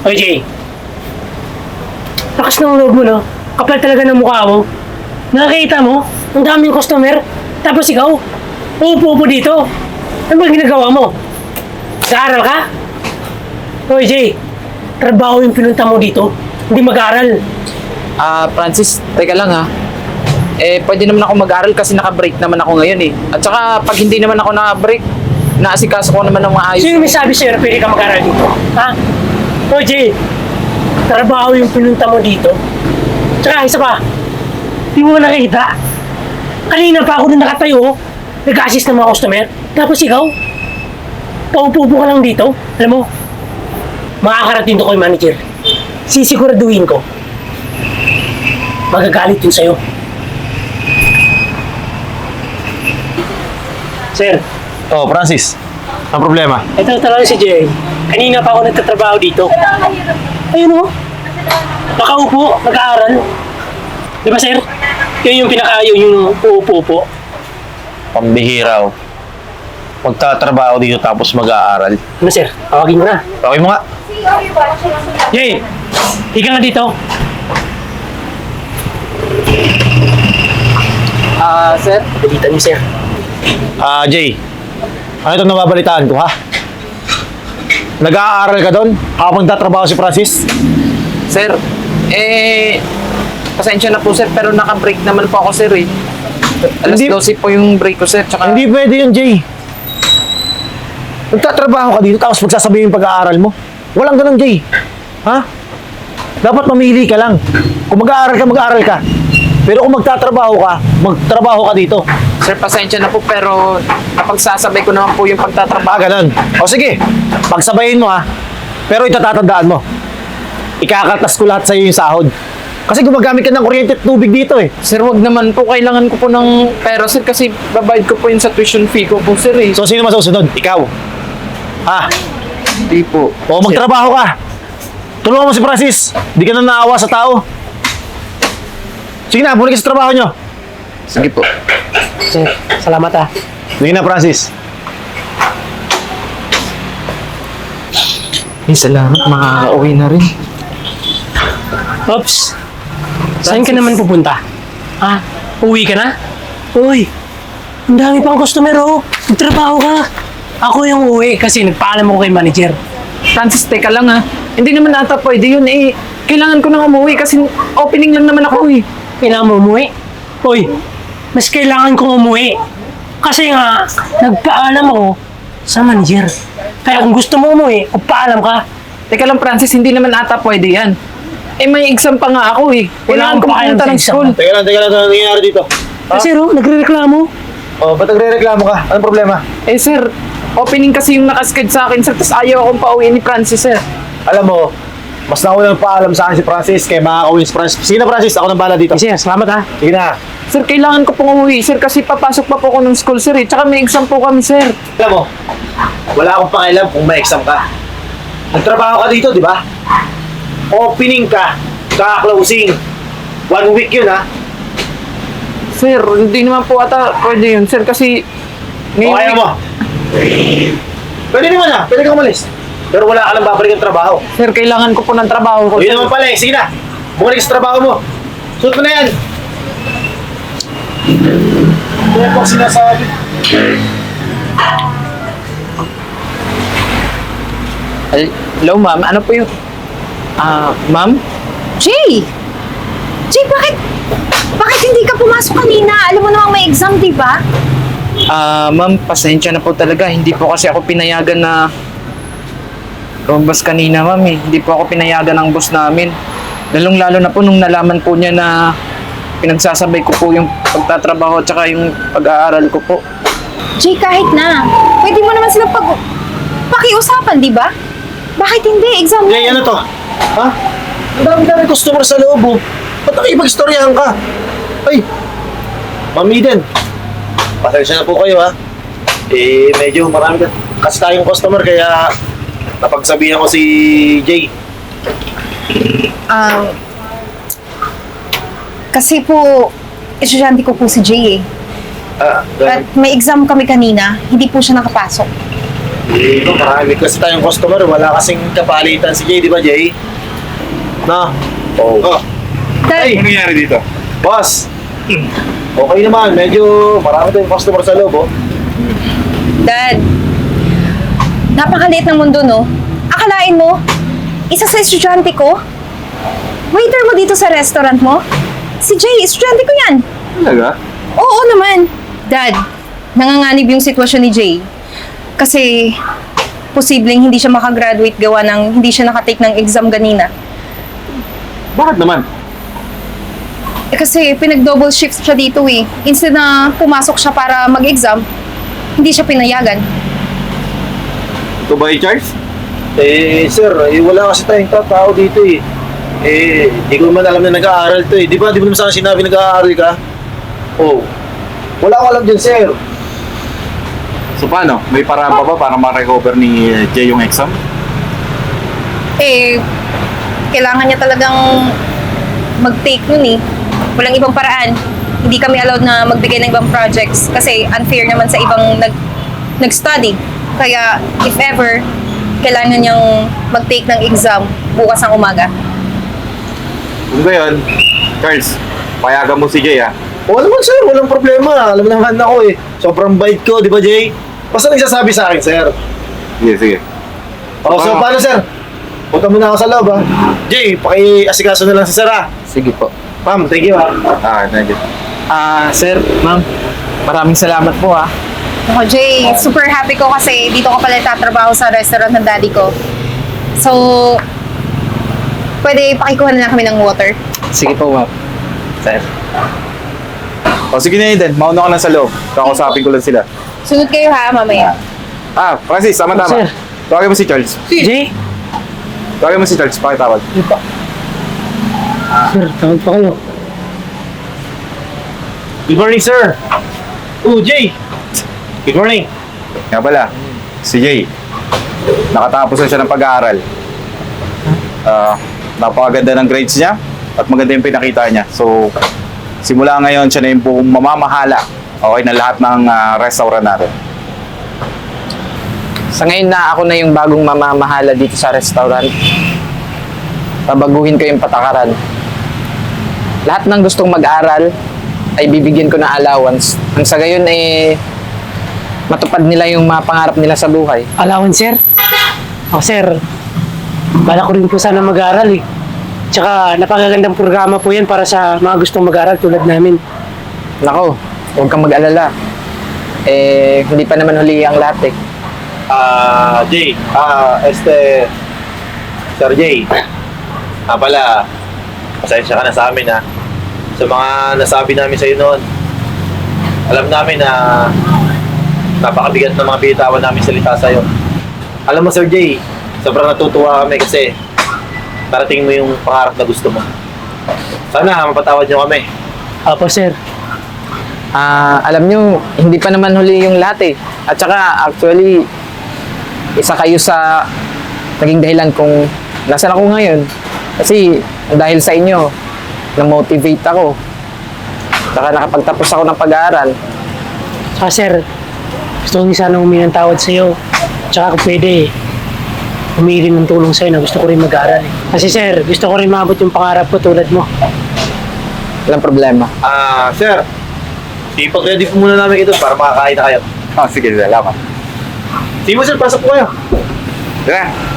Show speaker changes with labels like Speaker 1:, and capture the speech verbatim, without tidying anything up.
Speaker 1: Oy, Jay. Lakas ng loob mo, no? Kapal talaga ng mukha mo. Nakakita mo? Ang daming customer. Tapos ikaw, uupo-upo dito. Ano ba ginagawa mo? Nag-aaral ka? Oy, Jay. Trabaho yung pinunta mo dito. Hindi mag-aaral.
Speaker 2: Ah, Francis, teka lang ha. Eh, pwede naman ako mag-aral kasi naka-break naman ako ngayon eh. At saka, pag hindi naman ako naka-break, naasikaso ko naman ng maayos.
Speaker 1: Sino may sabi sa'yo na pwede ka mag-aaral dito? Ha? Oy, Jay. Trabaho yung pinunta mo dito. Tsaka, isa pa. Di mo nakita. Kanina pa ako na nakatayo. Nag-assist ng mga customer. Tapos ikaw, paupo-upo ka lang dito. Alam mo, makakarating to ko yung manager. Sisiguraduhin ko. Magagalit yun sa'yo. Sir,
Speaker 3: Oh, Francis. Ang problema?
Speaker 1: ito talaga si Jay. Kanina pa ako nagtatrabaho dito. Ayun o. Nakaupo, nag-aaral. Di ba, sir? Yun yung pinaka-ayaw yung uupo-upo.
Speaker 3: Pambihira, oh. Magtatrabaho dito tapos mag-aaral.
Speaker 1: Ano, sir? Tawagin ko na.
Speaker 3: Okay mo nga.
Speaker 1: Jay! Higa nga dito.
Speaker 2: Ah, sir?
Speaker 1: Pagalitan niyo, sir.
Speaker 3: Ah, Jay. Ano itong nababalitaan ko, ha? Nag-aaral ka doon habang nagtatrabaho si Francis?
Speaker 2: Sir, eh, pasensya na po sir, pero naka-break naman po ako sir eh. Alas
Speaker 3: Hindi-
Speaker 2: dose po yung break ko sir, tsaka...
Speaker 3: Hindi pwede yun, Jay. Nagtatrabaho ka dito tapos magsasabihin yung pag-aaral mo. Walang ganun, Jay. Ha? Dapat mamili ka lang. Kung mag-aaral ka, mag-aaral ka. Pero kung magtatrabaho ka, magtrabaho ka dito.
Speaker 2: Sir, pasensya na po, pero napagsasabay ko naman po yung
Speaker 3: Ah,
Speaker 2: pagtatrabaho.
Speaker 3: ganun. O sige, pagsabayin mo ha. Pero ito tatandaan mo. Ikakaltas ko lahat sa'yo yung sahod. Kasi gumagamit ka ng kuryente at tubig dito eh.
Speaker 2: Sir, wag naman po, kailangan ko po ng pera sir, kasi babayad ko po yun sa tuition fee ko po sir eh.
Speaker 3: So sino masusunod? Ikaw. Ha?
Speaker 2: Hindi po.
Speaker 3: O magtrabaho ka. Tulungan mo si Francis. Di ka na naawa sa tao. Sige na, balik ka sa trabaho nyo.
Speaker 2: Sige po.
Speaker 1: Sir, salamat ah.
Speaker 3: Sige na, Francis.
Speaker 2: Eh, salamat, makaka-uwi na rin.
Speaker 1: Ops. Saan ka naman pupunta? Ha? Uwi ka na? Uy, ang dami pang customer oh. Magtrabaho ka. Ako yung uwi kasi nagpaalam ako kay manager.
Speaker 2: Francis, teka lang ha. Hindi naman ata pwede yun eh. Kailangan ko nang umuwi kasi opening lang naman ako eh.
Speaker 1: Kailangan mo umuwi? Uy, mas kailangan kong umuwi. Kasi nga, nagpaalam ako sa manager. Kaya kung gusto mo umuwi, magpaalam ka.
Speaker 2: Teka lang Francis, hindi naman ata pwede yan. Eh may exam pa nga ako eh. Kailangan ko
Speaker 1: akong pakialam
Speaker 2: pumunta
Speaker 1: sa
Speaker 2: ng
Speaker 1: exam.
Speaker 2: school.
Speaker 3: Teka lang, teka lang. Ano nangyayari dito?
Speaker 1: Kasi ro, nagre-reklamo.
Speaker 3: O, ba't nagre-reklamo ka? Anong problema?
Speaker 2: Eh sir, opening kasi yung nakasked sa akin sir, tapos ayaw akong pauwi ni Francis sir.
Speaker 3: Alam mo, mas naunang paalam sa akin si Francis kaya makakawin si Francis. Sige na, Francis. Ako nang bala dito.
Speaker 1: Kasi salamat ha.
Speaker 3: Sige na.
Speaker 2: Sir, kailangan ko pong umuwi sir kasi papasok pa po ako ng school sir eh. Tsaka may exam po kami sir.
Speaker 3: Alam mo, wala akong pakialam kung may exam ka. Nagtrabaho ka dito, di ba? Opening ka, kaka-closing. One week yun, ha?
Speaker 2: Sir, hindi naman po ata pwede yun sir kasi...
Speaker 3: O kaya mo. Pwede naman, ha? Pwede kang umalis. Pero wala ka lang babalik ang trabaho.
Speaker 2: Sir, kailangan ko po ng trabaho ko.
Speaker 3: O yun
Speaker 2: sir.
Speaker 3: naman pala, eh. Sige na. Bumalik sa trabaho mo. Suot mo na yan. Kaya pang sinasabi.
Speaker 2: Hello ma'am, ano po yung... Ah, ma'am?
Speaker 4: Jay! Jay, bakit? Bakit hindi ka pumasok kanina? Alam mo namang may exam, di ba?
Speaker 2: Ah, ma'am, pasensya na po talaga. Hindi po kasi ako pinayagan na lumabas kanina, ma'am eh. Hindi po ako pinayagan ng boss namin. Lalong-lalo na po nung nalaman po niya na pinagsasabay ko po yung pagtatrabaho at saka yung pag-aaral ko po.
Speaker 4: Jay, kahit na. Pwede mo naman silang pag... pakiusapan, di ba? Bakit hindi? Exam mo.
Speaker 3: Jay, ano to? Ha? Ang dami-dami customer sa loob, oh. Ba't nakipag-istoryahan ka? Ay, Ma'am Eden, pasensya na po kayo, ha? Eh, medyo marami ka- kasi tayong customer, kaya napagsabihan ko si Jay.
Speaker 4: Um, kasi po, estudyante ko po si Jay eh.
Speaker 3: Ah,
Speaker 4: At may exam kami kanina, hindi po siya nakapasok.
Speaker 3: Eh, no, marami kasi tayong customer. Wala kasing kapalitan si Jay, di ba, Jay? Na? Oo. Oh.
Speaker 4: Dad,
Speaker 3: Ay,
Speaker 5: Ano nangyari dito?
Speaker 3: boss. Okay naman. Medyo marami tayong customer sa loob, oh.
Speaker 4: Dad. Napakaliit ng mundo, no? Akalain mo, isa sa estudyante ko? Waiter mo dito sa restaurant mo? Si Jay, estudyante ko yan.
Speaker 5: Talaga?
Speaker 4: Oo naman. Dad, nanganganib yung sitwasyon ni Jay. Kasi, posibleng hindi siya makagraduate gawa ng hindi siya nakatake ng exam ganina.
Speaker 5: Bakit naman?
Speaker 4: Eh, kasi pinag-double shift siya dito eh. Instead na pumasok siya para mag-exam, hindi siya pinayagan.
Speaker 5: Ito ba i-charge?
Speaker 3: Eh, sir, eh, wala kasi tayong ta- tao dito, eh. Eh, di ko man alam na nag-aaral to, eh. Di ba, di mo naman sa akin sinabi nag-aaral ka? Oh. Wala ko alam dyan, sir.
Speaker 5: So paano? May paraan pa ba para ma-recover ni eh, Jay yung exam?
Speaker 4: Eh, kailangan niya talagang mag-take nun eh. Walang ibang paraan. Hindi kami allowed na magbigay ng ibang projects kasi unfair naman sa ibang nag nag-study. Kaya, if ever, kailangan niyang mag-take ng exam bukas ng umaga.
Speaker 5: Kung gayon, Charles, payagan mo si Jay ah.
Speaker 3: Oo naman, sir. Walang problema. Alam naman ako, eh. Sobrang bait ko, di ba, Jay? Basta nagsasabi sa akin, sir.
Speaker 5: Sige, sige.
Speaker 3: O, so,
Speaker 5: Ah.
Speaker 3: paano, sir? Punta muna ako sa loob, ha? Jay, paki-asikaso na lang si sir, ha?
Speaker 2: Sige po.
Speaker 3: Ma'am, thank you, ha?
Speaker 5: Ah, thank you.
Speaker 2: Ah, sir, ma'am, maraming salamat po ah.
Speaker 4: Ako, Jay, super happy ko kasi dito ko pala tatrabaho sa restaurant ng daddy ko. So, pwede pakikuha na lang kami ng water.
Speaker 2: Sige po, ma'am. Sir.
Speaker 5: O sige na Eden, mauna ka na sa loob. Kakausapin ko lang sila.
Speaker 4: Sunod kayo ha, mamaya.
Speaker 5: Ah, Francis, tama-tama.
Speaker 1: Sir.
Speaker 5: Tawagin mo si Charles.
Speaker 1: Jay?
Speaker 5: Tawagin mo si Charles, pakitawag.
Speaker 1: Sir, tawag pa kayo.
Speaker 3: Good morning, sir. Oh, Jay. Good morning.
Speaker 5: Nga pala, si Jay. Nakatapos na siya ng pag-aaral. Ah, napakaganda ng grades niya at maganda yung pinakita niya. So, simula ngayon, siya na yung buong mamamahala, okay, na lahat ng ah, restaurant natin.
Speaker 2: Sa ngayon na ako na yung bagong mamamahala dito sa restaurant. Babaguhin ko yung patakaran. Lahat ng gustong mag-aral ay bibigyan ko ng allowance. Ang sa gayon eh matupad nila yung mga pangarap nila sa buhay.
Speaker 1: Allowance, sir? Ako, sir. Bala ko rin po sana mag-aaral, eh. Tsaka, napakagandang programa po yan para sa mga gustong mag-aaral tulad namin.
Speaker 2: Nako, huwag kang mag-alala. Eh, hindi pa naman huli ang lahat eh.
Speaker 3: Ah, Jay. Ah, este... Sir Jay. Ah, pala. Pasensya ka na sa amin, ha? Sa mga nasabi namin sa'yo noon. Alam namin na napakabigat ng mga bitawan namin salita sa'yo. Alam mo, Sir Jay, sobrang natutuwa kami kasi parating mo yung pangarap na gusto mo. Sana mapatawad niyo kami.
Speaker 1: Apo, sir.
Speaker 2: Ah, alam nyo, hindi pa naman huli yung lahat eh. At saka, actually, isa kayo sa naging dahilan kung nasaan ako ngayon. Kasi dahil sa inyo, na-motivate ako. Saka nakapagtapos ako ng pag-aaral.
Speaker 1: Tsaka, sir, gusto ko sana humingi ng tawad sa'yo. Tsaka kung pwede, humingi rin ng tulong sa'yo na gusto ko rin mag-aaral, eh. Kasi, sir, gusto ko rin maabot yung pangarap ko tulad mo.
Speaker 2: Walang problema.
Speaker 3: Ah, sir. Ipag-ready po muna namin ito para makakain na kayo.
Speaker 5: Ah, sige, salamat.
Speaker 3: Sige mo, sir. Pasok po kayo.
Speaker 5: Tara,